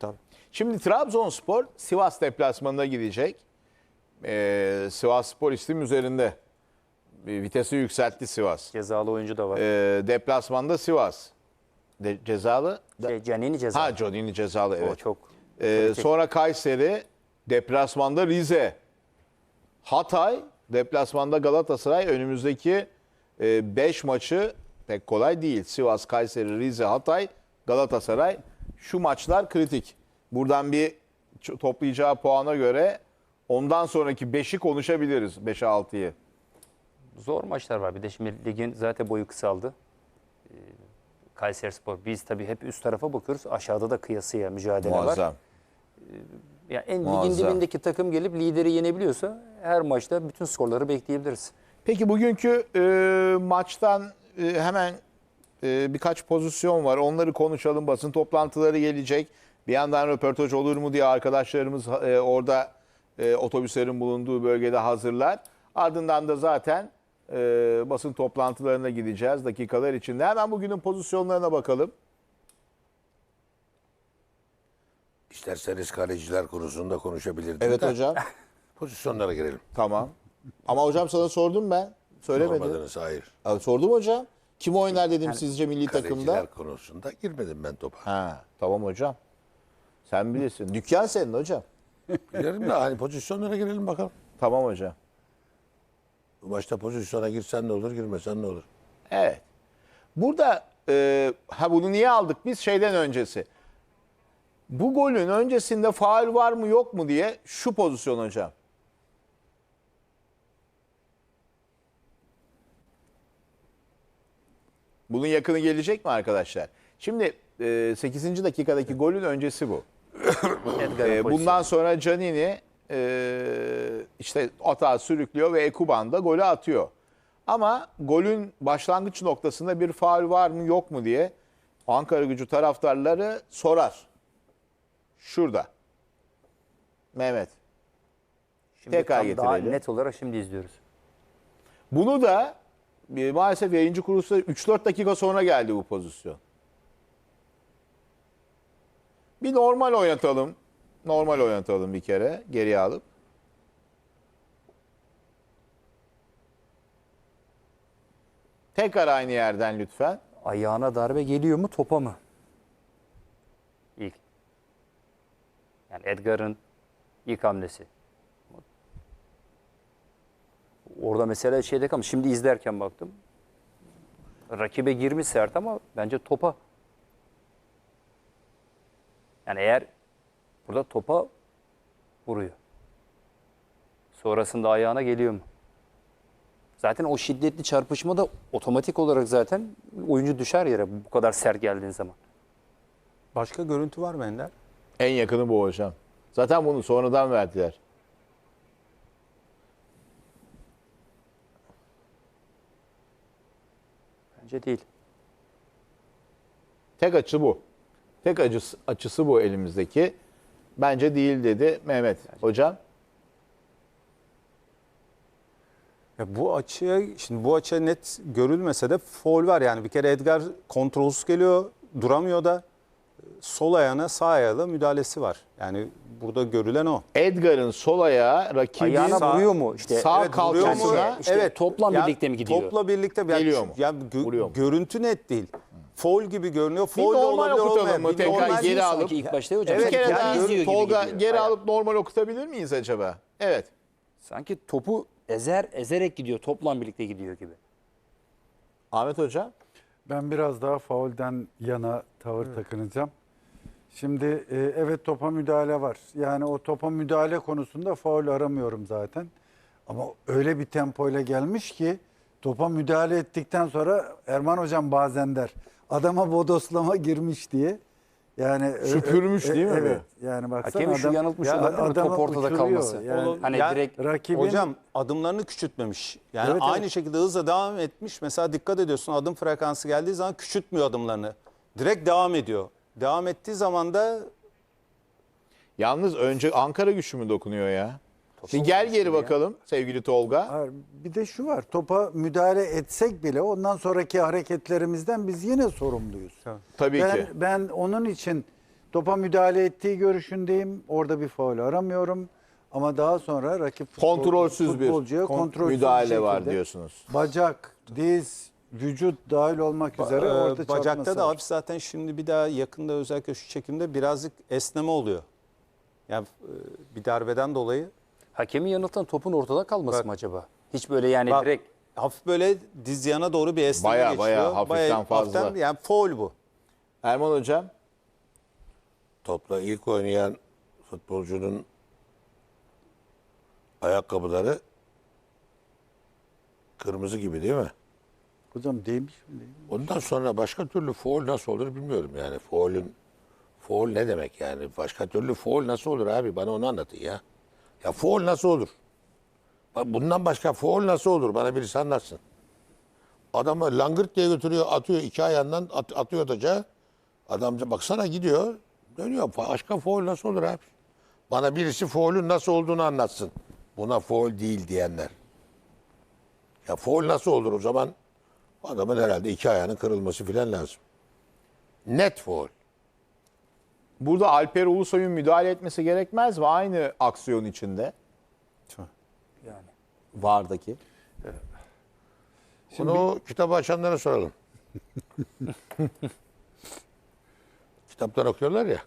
tabii. Şimdi Trabzonspor Sivas deplasmanına gidecek. Sivasspor istim üzerinde. Vitesi yükseltti Sivas. Cezalı oyuncu da var. Deplasmanda Sivas. Cezalı? Canini cezalı. Ha, Canini cezalı, O evet. çok. Sonra Kayseri, deplasmanda Rize. Hatay, deplasmanda Galatasaray. Önümüzdeki 5 maçı pek kolay değil. Sivas, Kayseri, Rize, Hatay, Galatasaray. Şu maçlar kritik. Buradan bir toplayacağı puana göre ondan sonraki 5'i konuşabiliriz. 5'e 6'yı. Zor maçlar var. Bir de şimdi ligin zaten boyu kısaldı. Kayserispor. Biz tabii hep üst tarafa bakıyoruz. Aşağıda da kıyasıya mücadele var. Muazzam. Yani ligin Muazzam. dibindeki takım gelip lideri yenebiliyorsa her maçta bütün skorları bekleyebiliriz. Peki bugünkü maçtan hemen birkaç pozisyon var. Onları konuşalım. Basın toplantıları gelecek. Bir yandan röportaj olur mu diye arkadaşlarımız orada otobüslerin bulunduğu bölgede hazırlar. Ardından da zaten basın toplantılarına gideceğiz dakikalar içinde. Hemen bugünün pozisyonlarına bakalım. İsterseniz kaleciler konusunda konuşabilirdik. Evet de hocam. Pozisyonlara girelim. Tamam. Ama hocam sana sordum ben. Söylemedin. Sormadınız, hayır. Abi, sordum hocam. Kim oynar dedim sizce milli takımda? Kaleciler konusunda girmedim ben topa. Ha, tamam hocam. Sen bilirsin. Dükkan senin hocam. Girelim de hani pozisyonlara girelim bakalım. Tamam hocam. Bu maçta pozisyona girsen ne olur, girmesen ne olur? Evet. Burada bunu niye aldık biz? Şeyden öncesi. Bu golün öncesinde faul var mı yok mu diye şu pozisyon hocam. Bunun yakını gelecek mi arkadaşlar? Şimdi 8. dakikadaki golün öncesi bu. Bundan sonra Canini işte atağı sürüklüyor ve Ekuban da golü atıyor. Ama golün başlangıç noktasında bir faul var mı yok mu diye Ankaragücü taraftarları sorar. Şurada. Mehmet. Şimdi Tekrar daha getirelim. net olarak şimdi izliyoruz. Bunu da maalesef yayıncı kuruluşta 3-4 dakika sonra geldi bu pozisyon. Bir normal oynatalım. Normal oynatalım bir kere geriye alıp. Tekrar aynı yerden lütfen. Ayağına darbe geliyor mu, topa mı? İlk. Yani Edgar'ın ilk hamlesi. Orada mesela şeyde kalmış. Şimdi izlerken baktım. Rakibe girmiş sert ama bence topa. Yani eğer burada topa vuruyor. Sonrasında ayağına geliyor mu? Zaten o şiddetli çarpışmada otomatik olarak zaten oyuncu düşer yere bu kadar sert geldiğin zaman. Başka görüntü var mı Ender? En yakını bu hocam. Zaten bunu sonradan verdiler. Bence değil. Tek açı bu. Tek açısı bu elimizdeki. Bence değil dedi Mehmet. Hocam. Ya bu açıya net görülmese de faul var yani. Bir kere Edgar kontrolsüz geliyor, duramıyor da sol ayağına sağ ayağıyla müdahalesi var. Yani burada görülen o. Edgar'ın sol ayağı rakibin Ayağına vuruyor mu? İşte sağ Evet, vuruyor mu? kalçasına İşte topla birlikte mi gidiyor? Topla birlikte Geliyor mu? Vuruyor mu? Görüntü net değil. Faul gibi görünüyor. Bir Faul de normal olabilir, okutalım olmayan. mı? Bir Tekrar normal- geri alıp. Sanki ilk başta hocam. Bir Evet, kere yani daha izliyor gibi Tolga gidiyor. geri Aynen. alıp normal okutabilir miyiz acaba? Evet. Sanki topu ezerek gidiyor. Topla birlikte gidiyor gibi. Ahmet Hocam. Ben biraz daha faulden yana tavır takınacağım. Şimdi evet topa müdahale var. Yani o topa müdahale konusunda faul aramıyorum zaten. Ama öyle bir tempoyla gelmiş ki topa müdahale ettikten sonra Erman Hocam bazen der adama bodoslama girmiş diye. Yani Süpürmüş değil mi Evet. Yani baksana Hakemi şu yanıltmış olabilir mi? adamı Top ortada uçuruyor. kalması. Yani Hani Yani direkt rakibin Hocam adımlarını küçültmemiş. Yani Evet, aynı evet. şekilde hızla devam etmiş. Mesela dikkat ediyorsun adım frekansı geldiği zaman küçültmüyor adımlarını. Direkt devam ediyor. Devam ettiği zaman da Yalnız önce Ankara güçlü mü dokunuyor ya? Bir gel geri bakalım sevgili Tolga. Hayır, bir de şu var. Topa müdahale etsek bile ondan sonraki hareketlerimizden biz yine sorumluyuz. Tabii ki. Ben onun için Topa müdahale ettiği görüşündeyim. Orada bir faul aramıyorum. Ama daha sonra rakip Kontrolsüz bir futbolcuya kontrolsüz müdahale bir var şekilde diyorsunuz. Bacak, diz, vücut dahil olmak üzere orada Bacakta çarpması da var. hafif zaten şimdi bir daha yakında özellikle şu çekimde birazcık esneme oluyor. Yani bir darbeden dolayı Hakemi yanıltan topun ortada kalması mı acaba? Hiç böyle yani bak, direkt hafif böyle diz yana doğru bir esneme Baya geçiyor. baya hafiften fazla. hafiften, yani faul bu. Erman Hocam. Topla ilk oynayan futbolcunun ayakkabıları kırmızı gibi değil mi? Hocam değmiş mi değil mi? Ondan sonra başka türlü faul nasıl olur bilmiyorum yani. Faul ne demek yani? Başka türlü faul nasıl olur abi? Bana onu anlatın ya. Ya faul nasıl olur? Bak bundan başka faul nasıl olur? Bana birisi anlatsın. Adamı langırt diye götürüyor, atıyor iki ayağından atıyor taca. Adam baksana gidiyor, dönüyor. Başka faul nasıl olur abi? Bana birisi faulün nasıl olduğunu anlatsın. Buna faul değil diyenler. Ya faul nasıl olur o zaman? Adamın herhalde iki ayağının kırılması filan lazım. Net faul. Burada Alper Ulusoy'un müdahale etmesi gerekmez mi? Aynı aksiyon içinde. yani. VAR'daki. Bunu o kitabı açanlara soralım. Kitaptan okuyorlar ya.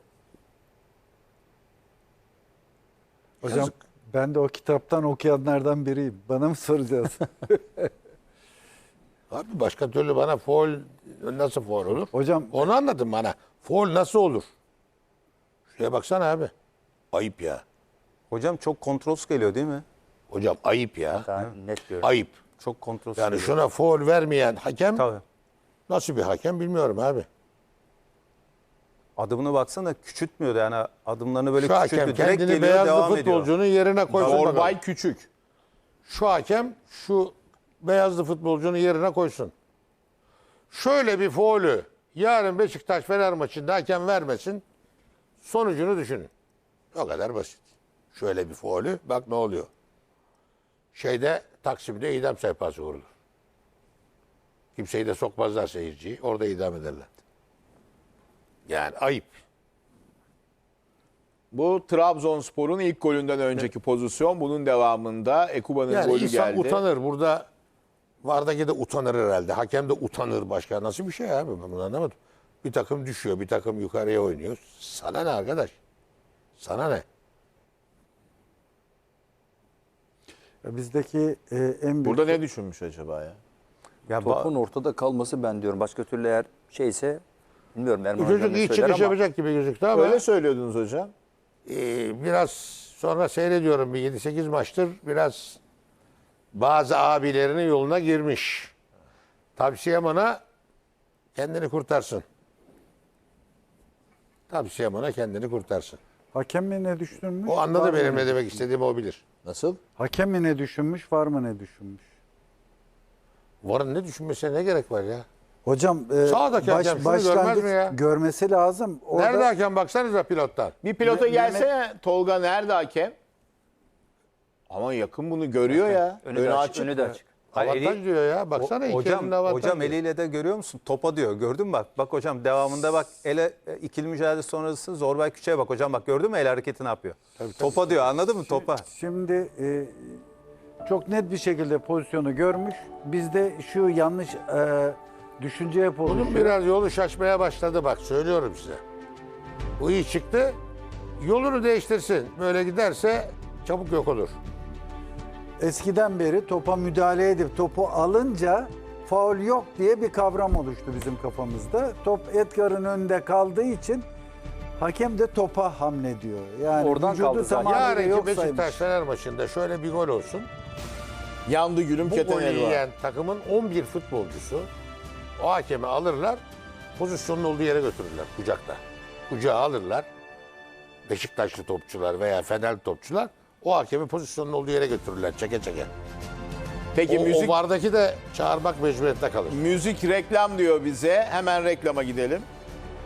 Hocam Yazık. ben de o kitaptan okuyanlardan biriyim. Bana mı soracağız? Abi başka türlü bana faul nasıl faul olur? Hocam Onu anladın bana. Faul nasıl olur? Şuraya baksana abi. Ayıp ya. Hocam çok kontrolsüz geliyor değil mi? Hocam ayıp ya. Daha net görüyorum. Ayıp. Çok kontrolsüz Yani geliyor. şuna faul vermeyen hakem Tabii. nasıl bir hakem bilmiyorum abi. Adımına baksana küçültmüyor da yani adımlarını böyle Şu küçültüyor. hakem Direkt kendini geliyor beyazlı devam ediyor. futbolcunun yerine koysun bakalım. Orbay Küçük. Şu hakem şu beyazlı futbolcunun yerine koysun. Şöyle bir faulü yarın Beşiktaş Fener maçında hakem vermesin. Sonucunu düşünün. O kadar basit. Şöyle bir faulü bak ne oluyor. Taksim'de idam sehpası vurulur. Kimseyi de sokmazlar seyirciyi. Orada idam ederler. Yani ayıp. Bu Trabzonspor'un ilk golünden önceki pozisyon. Bunun devamında Ekuba'nın Yani golü insan geldi. utanır. Burada Vardaki de utanır herhalde. Hakem de utanır başka. Nasıl bir şey abi? Ben bunu anlamadım. Bir takım düşüyor, bir takım yukarıya oynuyor. Sana ne arkadaş? Sana ne? bizdeki en büyük... Burada ne düşünmüş acaba ya? Ya Topun ortada kalması ben diyorum. Başka türlü eğer şeyse bilmiyorum Erman Bu Hocam çocuk ne iyi söyler çıkış ama yapacak gibi gözüktü ama Öyle söylüyordunuz hocam. biraz sonra seyrediyorum bir 7-8 maçtır. Biraz bazı abilerinin yoluna girmiş. Tavsiyem ona kendini kurtarsın. Tavsiyem ona kendini kurtarsın. Hakem mi ne düşünmüş? O var anladı mı benim ne ne demek istediğimi o bilir. Nasıl? Hakem mi ne düşünmüş, var mı ne düşünmüş? Varın ne düşünmesine ne gerek var ya? Hocam Sağdaki hakem şunu görmez mi ya? görmesi lazım. Orada Nerede hakem baksanıza pilottan. Bir pilota gelsene Tolga nerede hakem? Ama yakın bunu görüyor ya. önü de açık. Önü de açık. Hayır, Avantaj diyor ya. Baksana iki hocam, elinde avantaj hocam diyor. eliyle de görüyor musun? Topa diyor. Gördün mü bak? Bak hocam devamında bak ele ikili mücadele sonrası Zorbay Küçük'e bak hocam bak gördün mü el hareketi ne yapıyor? Topa diyor anladın mı? Topa. şimdi çok net bir şekilde pozisyonu görmüş. Bizde şu yanlış düşünce hep Bunun oluşuyor. biraz yolu şaşmaya başladı bak söylüyorum size. Bu iyi çıktı. Yolunu değiştirsin. Böyle giderse çabuk yok olur. Eskiden beri topa müdahale edip topu alınca faul yok diye bir kavram oluştu bizim kafamızda. Top Edgar'ın önünde kaldığı için hakem de topa hamlediyor. Yani Oradan vücudu kaldı zaten. tamamıyla Yarınki yok Beşiktaş saymış. Fener maçında şöyle bir gol olsun. Yandı gülüm Bu keten golü elva. yiyen takımın 11 futbolcusu o hakemi alırlar, pozisyonun olduğu yere götürürler kucakta. Kucağa alırlar. Beşiktaşlı topçular veya Fenerli topçular o hakemi pozisyonun olduğu yere götürürler çeke çeke. Peki O vardaki de çağırmak mecburiyetinde kalır. müzik reklam diyor bize. Hemen reklama gidelim.